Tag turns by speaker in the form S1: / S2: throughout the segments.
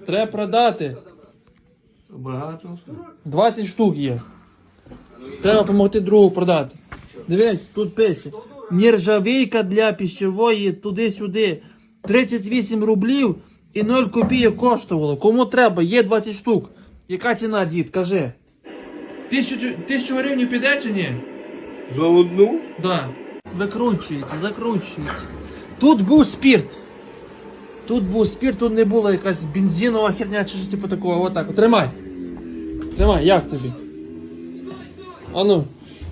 S1: Треба продати.
S2: Багато.
S1: 20 штук є. Треба допомогти другу продати. Дивись, тут пише. Нержавійка для пищевої туди-сюди. 38 рублів і 0 копійок коштувало. Кому треба? Є 20 штук. Яка ціна, дід? Кажи. 1000 гривень піде чи ні?
S2: За одну?
S1: Да. Викручується, закручується. Тут був спирт. Тут не була якась бензинова херня чи щось типу такого. Отак. Тримай. Тримай, як тобі? Ану.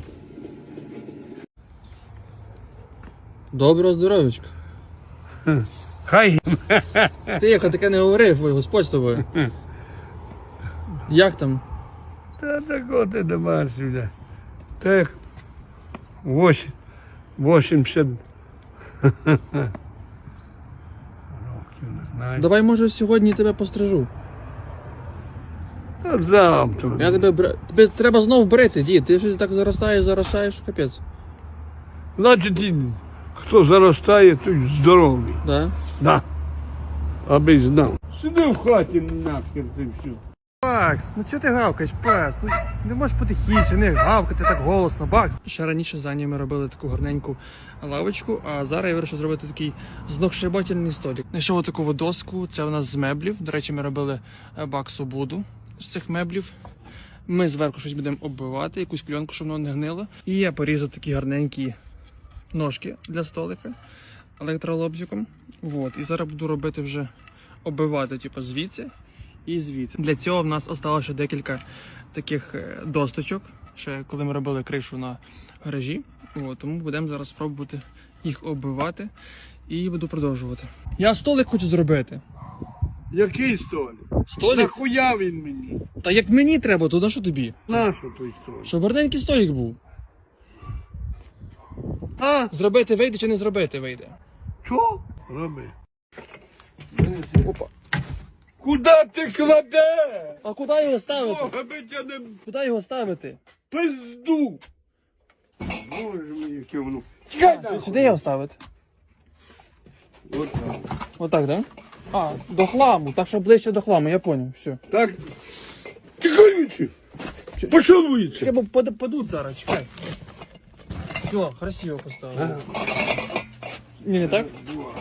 S1: Доброго здоров'ячка.
S2: Хай.
S1: Ти як таке не говорив, ой, Господь з тобою. Як там?
S2: Та такого ти домашнього. Так. 80 років, не знаю.
S1: Давай, може, сьогодні тебе пострижу.
S2: А завтра.
S1: Я тебе треба знов брити, дід. Ти щось так заростаєш, капець.
S2: Значить, хто заростає, той здоровий.
S1: Да?
S2: Да. Аби знав. Сиди в хаті нахер ти все.
S1: Бакс, ну чого ти гавкаєш, пес? Ну не можеш потихіше, не гавкати так голосно, Бакс. Ще раніше за ми робили таку гарненьку лавочку, а зараз я вирішив зробити такий знохшибательний столик. Знайшов таку доску, це у нас з меблів. До речі, ми робили Баксу буду з цих меблів. Ми зверху щось будемо оббивати, якусь кльонку, щоб воно не гнило. І я порізав такі гарненькі ножки для столика електролобзиком. Вот. І зараз буду робити вже оббивати, типу, звідси і звідси. Для цього в нас осталося ще декілька таких досточок, ще коли ми робили кришу на гаражі. От, тому будемо зараз спробувати їх оббивати і буду продовжувати. Я столик хочу зробити.
S2: Який столик?
S1: Столик?
S2: Нахуя він мені?
S1: Та як мені треба, то на що тобі?
S2: Нащо той столик?
S1: Щоб гарненький столик був.
S2: А?
S1: Зробити вийде чи не зробити вийде?
S2: Що? Роби.
S1: Опа.
S2: Куда ти кладеш?
S1: А куди його ставити?
S2: Бога би тя не
S1: Куди його ставити?
S2: пизду. Боже мій, яке воно. Чекай нахуй.
S1: Сюди його ставити?
S2: От так.
S1: Отак, так? Да? А, до хламу, так що ближче до хламу, я поняв, все.
S2: Так. Чекай вічі. Пішов вічі.
S1: Чекай, бо падуть зараз, чекай. Все, красиво поставили. Ні, не так?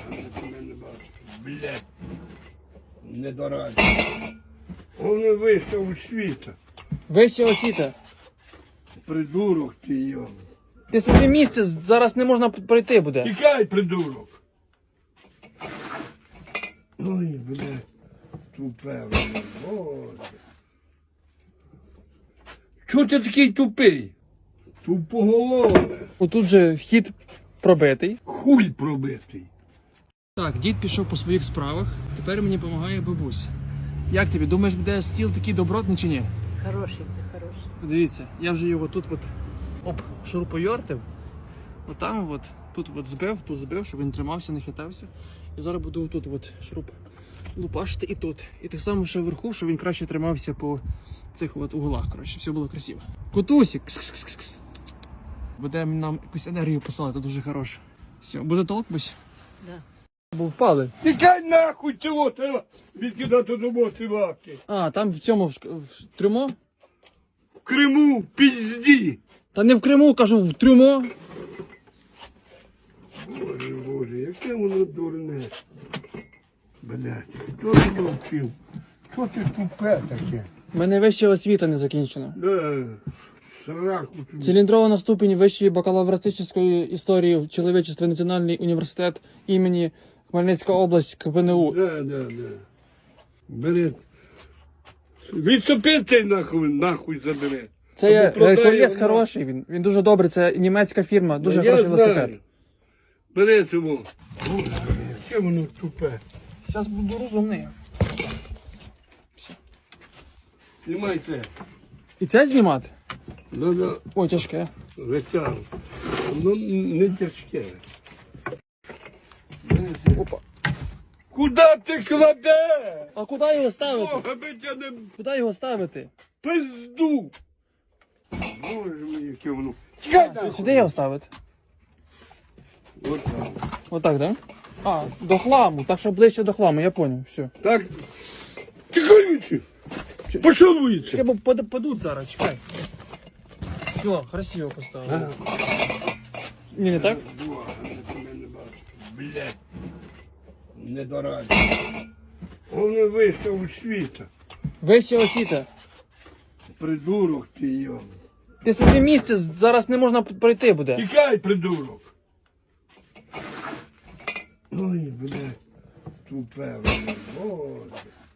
S2: Блядь. Не дораді. Воно вийшов у світа.
S1: Вище освіта.
S2: Придурок ти його.
S1: Ти собі місце зараз не можна пройти буде.
S2: Тікай, придурок. Ой, блядь. Тупе, блядь. Боже. Чого ти такий тупий? Тупоголове.
S1: Отут же вхід пробитий.
S2: Хуй пробитий.
S1: Так, дід пішов по своїх справах, тепер мені допомагає бабуся. Як тобі, думаєш, буде стіл такий добротний чи ні?
S3: Хороший ти, хороший.
S1: Дивіться, я вже його тут шурупойортив. Отам тут збив, щоб він тримався, не хитався. І зараз буду тут шуруп лупашити і тут. І так само ще вверху, щоб він краще тримався по цих углах, коротше, все було красиво. Котусик! Кс-кс-кс-кс. Буде нам якусь енергію посилати, дуже хороше. Все, буде толк, бусь?
S3: Да.
S1: Бо впали.
S2: Тікай нахуй цього треба відкидати до мотиваки.
S1: А, там в цьому в трюмо?
S2: В Криму, в пізді.
S1: Та не в Криму, кажу, в трюмо.
S2: Боже, Боже, яке воно дурне. Блядь, хто тебе вчив? Що ти тупе таке?
S1: У мене вища освіта не закінчена.
S2: Да, сраку тобі.
S1: Циліндрована ступінь вищої бакалавратичної історії в чоловічестві Національний університет імені Хмельницька область КПНУ.
S2: Да. Бери. Відсопи цей нахуй забере.
S1: Це є
S2: Або продай
S1: Геркулес
S2: його.
S1: хороший, він дуже добрий, це німецька фірма, дуже
S2: Я
S1: хороший
S2: знаю.
S1: велосипед.
S2: Бери цього. Боже, яке воно тупе.
S1: Зараз буду розумний.
S2: Знімай це.
S1: І це знімати?
S2: Надо
S1: Ой, тяжке.
S2: витягнути. Воно не тяжке.
S1: Опа.
S2: Куда ти кладеш?
S1: А куди його ставити?
S2: Бога би тя не
S1: Куди його ставити?
S2: пизду. Боже мій, яке воно. Чекай нахуй.
S1: Сюди його ставити?
S2: От так.
S1: Отак, так? Да? А, до хламу, так що ближче до хламу, я поняв, все.
S2: Так, Тікай віці! Пішов віці!
S1: Чекай, бо падуть зараз, чекай. О, красиво поставили. Ні, не так?
S2: Блядь. Не дораді. Вони вийшов у світа.
S1: Вище освіта.
S2: Придурок ти його.
S1: Ти сиди місце, зараз не можна пройти буде.
S2: Тікай, придурок. Ой, блядь. Тупе, блядь. Боже.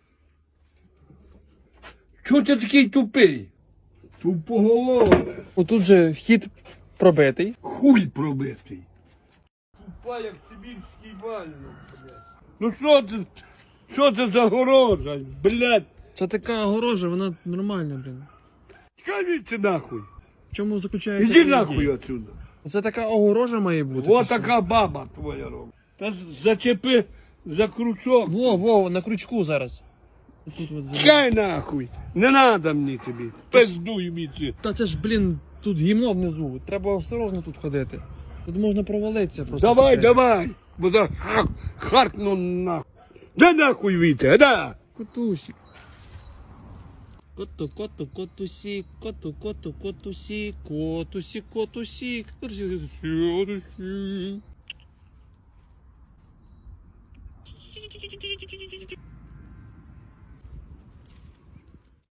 S2: Чого ти такий тупий? Тупоголове.
S1: Отут же вхід пробитий.
S2: Хуй пробитий. Тупа, як сибірський вальник, блядь. Ну що це за горожа, блядь?
S1: Це така огорожа, вона нормальна, блін.
S2: Скажіть нахуй.
S1: В чому заключається?
S2: Іди
S1: її
S2: нахуй
S1: дія?
S2: отсюда.
S1: Це така огорожа має бути.
S2: Вот
S1: чи що?
S2: така баба твоя робить. Та зачепи за крючок.
S1: Во, на крючку зараз. Тут от за-
S2: Чекай нахуй. Не надо мені тобі. Пиздуй міці.
S1: Та це ж, блін, тут гімно внизу. Треба осторожно тут ходити. Тут можна провалитися просто.
S2: Давай,
S1: случайно.
S2: давай. Бо за харкну нахуй. Да нахуй віте, да.
S1: Котусик. Котусик, котусик, котусик.